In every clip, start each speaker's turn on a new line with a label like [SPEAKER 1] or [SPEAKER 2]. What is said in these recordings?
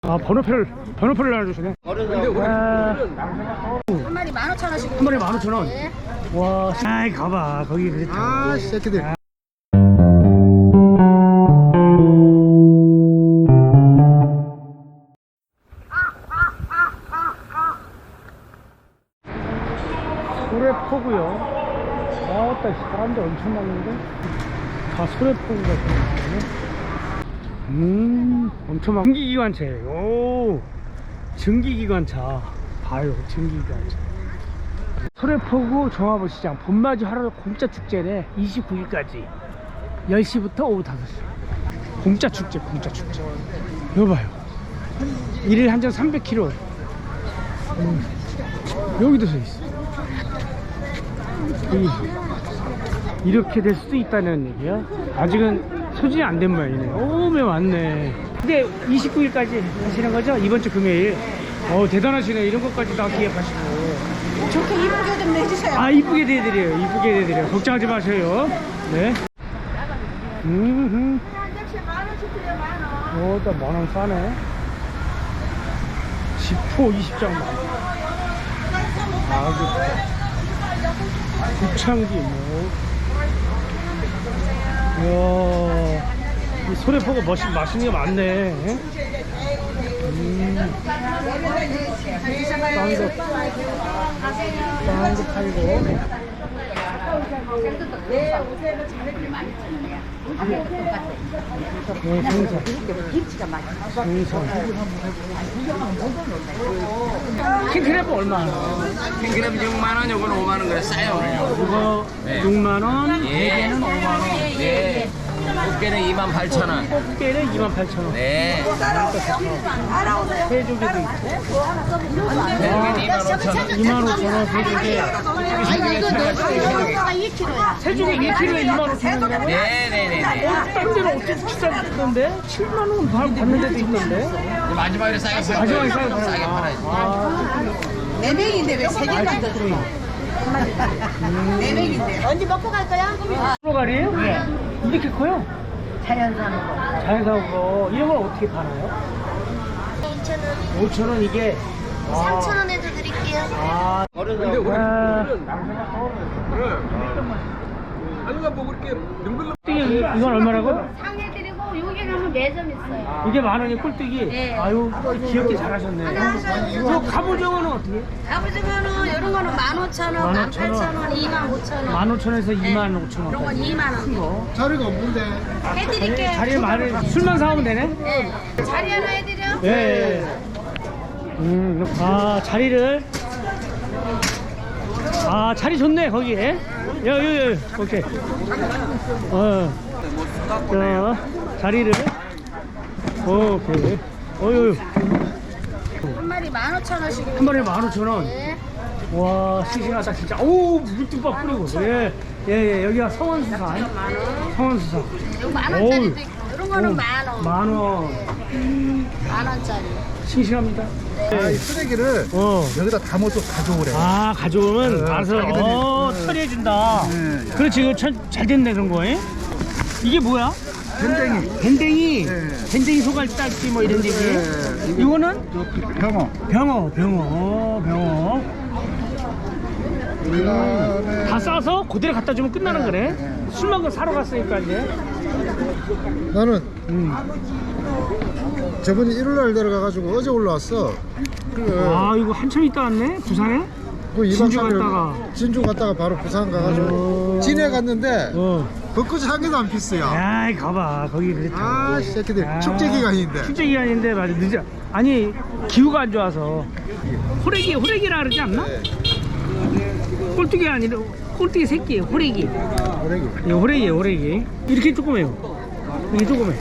[SPEAKER 1] 아, 번호표를 알려주시네.
[SPEAKER 2] 한 마리 15,000원씩.
[SPEAKER 1] 한 마리 15,000원.
[SPEAKER 2] 네.
[SPEAKER 1] 와, 아이, 가봐. 거기 그랬다.
[SPEAKER 3] 아, 새끼들.
[SPEAKER 1] 소래포구요. 아따, 사람들 엄청 많은데? 다 소래포구 같은 거네. 엄청 많. 증기기관차에. 오, 증기기관차. 봐요, 증기기관차. 소래포구 종합시장 봄맞이 하루 공짜 축제네. 29일까지 10시부터 오후 5시. 공짜 축제. 이거 봐요. 1일 한정 300kg. 여기도 서 있어. 이렇게 될 수도 있다는 얘기야. 아직은 소진이 안 된 모양이네. 오메 많네. 근데 29일까지 하시는 거죠? 이번 주 금요일. 대단하시네. 이런 것까지 다 기획하시고.
[SPEAKER 2] 좋게 이쁘게 좀 내주세요.
[SPEAKER 1] 아, 이쁘게 대드려요. 이쁘게 대드려요. 걱정하지 마세요. 네.
[SPEAKER 2] 한 접시에 10,000원씩 드려, 10,000원.
[SPEAKER 1] 일단 10,000원 싸네. 지포 20장 만. 아, 구창기 뭐. 이야, 이 소래포가 맛있는 게 많네. 빵도 팔고. 생선. 킹크랩은 얼마나?
[SPEAKER 4] 킹크랩 6만원, 요거는 5만원 그래 싸요 오늘요.
[SPEAKER 1] 이거 6만원,
[SPEAKER 4] 예.
[SPEAKER 1] 4개는 5만원.
[SPEAKER 4] 네. 꽃게는 28,000원.
[SPEAKER 1] 꽃게는 28,000원.
[SPEAKER 4] 네.
[SPEAKER 1] 새조개도 있고.
[SPEAKER 4] 대중에는 25,000원.
[SPEAKER 1] 25,000원 새조개.
[SPEAKER 2] 아니, 이거 너가 2kg야.
[SPEAKER 1] 새조개 1kg에 25,000원이라고?
[SPEAKER 4] 네네네.
[SPEAKER 1] 딴 데는 어떻게 비싸던데? 7만원 받는 데도 있던데?
[SPEAKER 4] 마지막에 싸게 팔아요.
[SPEAKER 1] 마지막에 싸게 팔아요.
[SPEAKER 4] 싸게 팔아요.
[SPEAKER 2] 4명인데 왜 3개까지 들어? 4명인데. 언제 먹고 갈 거야?
[SPEAKER 1] 프로갈이에요? 네. 이렇게 커요?
[SPEAKER 2] 자연산으로.
[SPEAKER 1] 자연사고 이런 걸 어떻게 팔아요?
[SPEAKER 5] 2,000원,
[SPEAKER 1] 5,000원 이게.
[SPEAKER 5] 3,000원에도 드릴게요.
[SPEAKER 1] 아, 꿀뜨기 이건 얼마라고?
[SPEAKER 5] 상해드리고 여기 가면 매점 있어요.
[SPEAKER 1] 이게 10,000원이 꿀뜨기?
[SPEAKER 5] 네.
[SPEAKER 1] 아유, 귀엽게 잘하셨네. 저 갑오징어는 어떻게?
[SPEAKER 5] 갑오징어는 이런 거는 15,000원, 18,000원, 25,000원.
[SPEAKER 1] 15,000원에서 25,000원.
[SPEAKER 5] 이런 건 2만원.
[SPEAKER 3] 자리가 없는데.
[SPEAKER 5] 해드릴게요.
[SPEAKER 1] 자리에 많이 술만 사오면 되네?
[SPEAKER 5] 네. 자리 하나 해드려?
[SPEAKER 1] 예. 자리를. 자리 좋네, 거기에. 여기, 오케이. 자리를. 오케이. 어유.
[SPEAKER 2] 한 마리 15,000원씩.
[SPEAKER 1] 한 마리에 15,000원.
[SPEAKER 2] 네.
[SPEAKER 1] 와, 싱싱하다, 진짜. 오, 물뚝박 뿌리고. 예, 여기가 성원수산. 성원수산.
[SPEAKER 2] 이거 10,000원짜리도 있고. 이런 거는 10,000원.
[SPEAKER 1] 10,000원.
[SPEAKER 2] 10,000원짜리.
[SPEAKER 1] 싱싱합니다.
[SPEAKER 3] 이 쓰레기를 여기다 담아서 가져오래.
[SPEAKER 1] 가져오면 알아서 처리해준다.
[SPEAKER 3] 네.
[SPEAKER 1] 그렇지, 이거 잘 됐네, 그런 거. 이게 뭐야? 밴댕이.
[SPEAKER 3] 네.
[SPEAKER 1] 밴댕이 소갈딱지 뭐 이런 얘기.
[SPEAKER 3] 네.
[SPEAKER 1] 이거는
[SPEAKER 3] 병어.
[SPEAKER 1] 병어.
[SPEAKER 3] 그다음에
[SPEAKER 1] 다 싸서 그대로 갖다 주면 끝나는 거네. 술만 사러 갔으니까 이제.
[SPEAKER 3] 나는 저번에 일요일날 내려가가지고 어제 올라왔어.
[SPEAKER 1] 이거 한참 있다 왔네, 부산에.
[SPEAKER 3] 그 2박
[SPEAKER 1] 진주
[SPEAKER 3] 3일
[SPEAKER 1] 갔다가.
[SPEAKER 3] 진주 갔다가 바로 부산 가가지고 진해 갔는데 벚꽃이 한 개도 안 피었어요.
[SPEAKER 1] 아이, 가봐, 거기 그랬다.
[SPEAKER 3] 아, 새끼들 축제 기간인데.
[SPEAKER 1] 축제 기간인데 맞아, 늦어. 아니, 기후가 안 좋아서. 호래기라 그러지 않나? 꼴뚜기 아니라 꼴뚜기 새끼, 호래기. 이거 호래기. 이렇게 조그매요. 이게 조그매.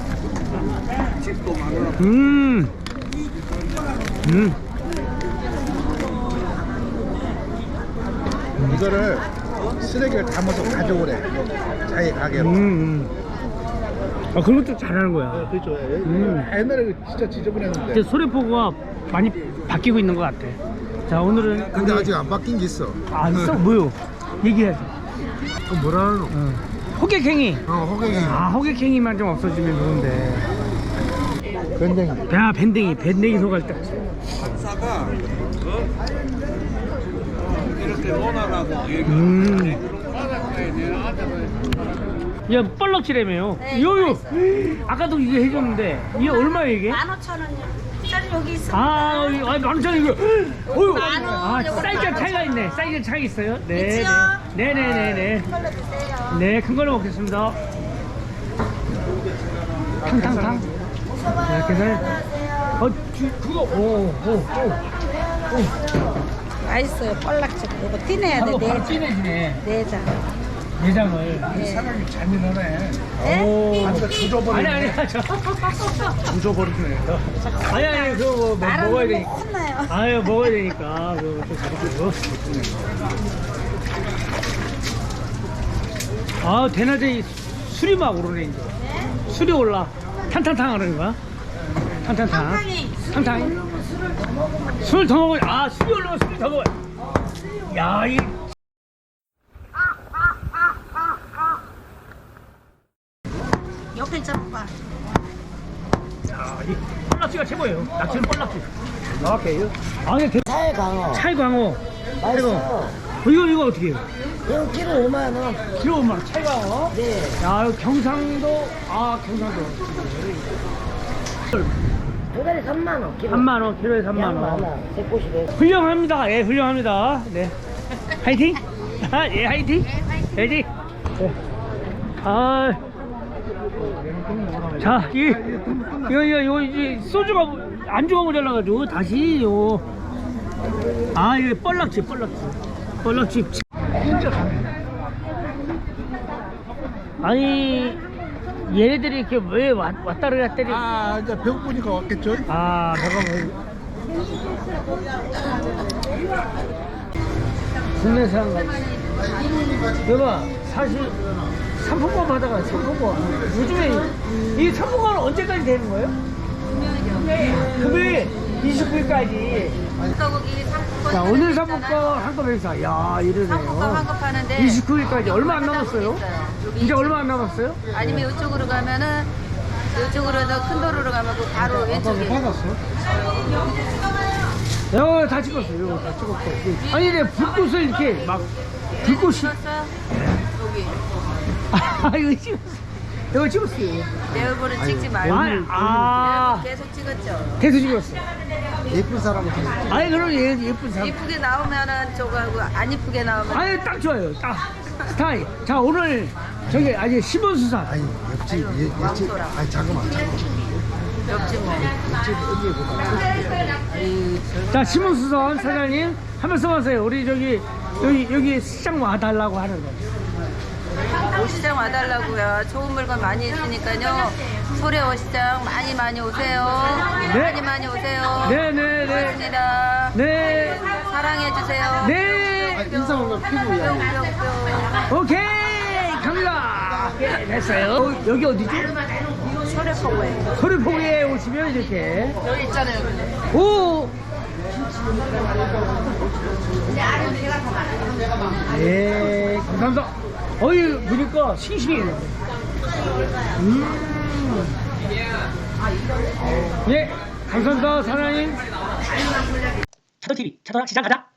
[SPEAKER 3] 이거를 쓰레기를 담아서 가져오래. 자기 가게로.
[SPEAKER 1] 그런 것도 잘하는 거야.
[SPEAKER 3] 그렇죠. 옛날에 진짜 지저분했는데.
[SPEAKER 1] 이제 소래포구가 많이 바뀌고 있는 것 같아. 자, 오늘은.
[SPEAKER 3] 근데 아직 안 바뀐 게 있어.
[SPEAKER 1] 있어? 뭐요? 얘기해야지.
[SPEAKER 3] 그 뭐라 하노?
[SPEAKER 1] 호객행위.
[SPEAKER 3] 호갱이.
[SPEAKER 1] 호객행위만 좀 없어지면 좋은데.
[SPEAKER 3] 밴댕이.
[SPEAKER 1] 야, 밴댕이 소갈대.
[SPEAKER 4] 박사가 이렇게 논하라고
[SPEAKER 1] 야, 뻘럭지라며요.
[SPEAKER 2] 네,
[SPEAKER 1] 요요.
[SPEAKER 2] 있어요.
[SPEAKER 1] 아까도 이거 해줬는데 이게 얼마예요 이게?
[SPEAKER 2] 15,000원이요. 짜리 여기 있어.
[SPEAKER 1] 아, 여기 만천 이거. 어휴.
[SPEAKER 2] 만 원,
[SPEAKER 1] 아,
[SPEAKER 2] 요거
[SPEAKER 1] 사이즈
[SPEAKER 2] 만
[SPEAKER 1] 차이가
[SPEAKER 2] 원.
[SPEAKER 1] 있네. 사이즈 차이 있어요. 네.
[SPEAKER 2] 있지요?
[SPEAKER 1] 네, 네, 네, 네.
[SPEAKER 2] 이걸로 드세요.
[SPEAKER 1] 네, 큰 걸로 먹겠습니다. 탕탕탕. 네, 계산. 그거, 오.
[SPEAKER 2] 맛있어요. 뻘락죽. 이거 띠내야 돼.
[SPEAKER 1] 바로
[SPEAKER 2] 네.
[SPEAKER 1] 찐해지네.
[SPEAKER 2] 내장.
[SPEAKER 1] 내장을.
[SPEAKER 3] 사장님 잔인하네.
[SPEAKER 2] 네?
[SPEAKER 1] 오.
[SPEAKER 3] 조져버리네.
[SPEAKER 1] 아니,
[SPEAKER 3] 조져버리네.
[SPEAKER 1] 아니, 그거 뭐
[SPEAKER 2] 말하는
[SPEAKER 1] 먹어야
[SPEAKER 2] 거
[SPEAKER 1] 되니까.
[SPEAKER 2] 혼나요.
[SPEAKER 1] 아유, 먹어야 되니까. 그거 좀 가르쳐줘. 아, 대낮에 술이 막 오르네, 이제. 술이 올라. 탕탕탕 하는 거야? 탕탕탕. 탕탕. 술 더 먹어야, 아, 술이 올라면 술이 더 먹어야. 야, 이.
[SPEAKER 2] 옆에 잡아.
[SPEAKER 1] 야, 이 뻘락지가 최고예요. 낙지는 뻘락지. 오케이. 아, 이게
[SPEAKER 6] 찰광어
[SPEAKER 1] 찰광어.
[SPEAKER 6] 맛있어.
[SPEAKER 1] 이거 어떻게 해요?
[SPEAKER 6] 이거 키로 5만원.
[SPEAKER 1] 키로 5만 원. 찰광어.
[SPEAKER 6] 네.
[SPEAKER 1] 야, 이거 경상도. 아, 경상도.
[SPEAKER 6] 도다리 3만원 키로.
[SPEAKER 1] 3만 원. 키로에 3만
[SPEAKER 6] 양
[SPEAKER 1] 원.
[SPEAKER 6] 많아. 새꼬시래.
[SPEAKER 1] 훌륭합니다. 예, 훌륭합니다. 네. 화이팅! 아, 예, 화이팅! 화이팅! 네. 아. 자, 이거, 이제 소주가, 안주가 모자라가지고, 다시, 아, 이게 뻘락지. 뻘락지. 진짜 가네. 아니, 얘네들이 이렇게 왜 왔다 갔다
[SPEAKER 3] 아, 이제 배고프니까 왔겠죠?
[SPEAKER 1] 아, 잠깐만. 국내산 같이. 여봐, 사실 상품권 받아가, 상품권. 요즘에 이 상품권은 언제까지 되는 거예요? 금요일 29일까지.
[SPEAKER 5] 거기 상품권.
[SPEAKER 1] 자, 오늘 상품권 한꺼번에 사. 야, 이러네요.
[SPEAKER 5] 상품권 환급하는데
[SPEAKER 1] 29일까지 얼마 안 남았어요?
[SPEAKER 5] 여기
[SPEAKER 1] 이제 얼마 안 남았어요?
[SPEAKER 5] 아니면 이쪽으로 가면은 이쪽으로서 큰 도로로 가면 그 바로 왼쪽에.
[SPEAKER 3] 받았어?
[SPEAKER 1] 이거 다 찍었어요. 이거 다 찍었고. 아니, 근데 불꽃을 이렇게 막, 불꽃이.
[SPEAKER 5] 찍었어요? 여기
[SPEAKER 1] 아, 이거 찍었어. 이거 찍었어요.
[SPEAKER 5] 내 얼굴은 찍지 말고
[SPEAKER 1] 아,
[SPEAKER 5] 계속 찍었죠.
[SPEAKER 1] 계속 찍었어.
[SPEAKER 3] 예쁜 사람은 좀.
[SPEAKER 1] 아니, 그럼 얘 예쁜 사람.
[SPEAKER 5] 이쁘게 나오면은 저거하고 안 이쁘게 나오면
[SPEAKER 1] 아니, 딱 좋아요. 딱 스타일. 자, 오늘 저기 아직 시몬수산.
[SPEAKER 3] 아니, 옆집, 옆집. 아니, 잠깐만.
[SPEAKER 5] 옆집 뭐.
[SPEAKER 1] 자, 시몬수산 사장님 한 말씀 하세요. 우리 여기 시장 와달라고 하는 거.
[SPEAKER 5] 오시장 와달라고요. 좋은 물건 많이 있으니까요. 소래 오시장 많이 오세요.
[SPEAKER 1] 네.
[SPEAKER 5] 많이 오세요.
[SPEAKER 1] 네네네.
[SPEAKER 5] 고맙습니다.
[SPEAKER 1] 네.
[SPEAKER 5] 사랑해 주세요.
[SPEAKER 1] 네.
[SPEAKER 3] 인사 올라 피부야.
[SPEAKER 5] 뿅뿅뿅.
[SPEAKER 1] 오케이. 갑니다. 네, 됐어요. 여기 어디죠?
[SPEAKER 5] 소래포구에.
[SPEAKER 1] 소리포구에 오시면 이렇게.
[SPEAKER 5] 여기 있잖아요.
[SPEAKER 1] 오. 예, 감사합니다. 어이, 보니까 싱싱해. 예, 감사합니다, 사장님. 차도TV, 차도랑 시장 가자.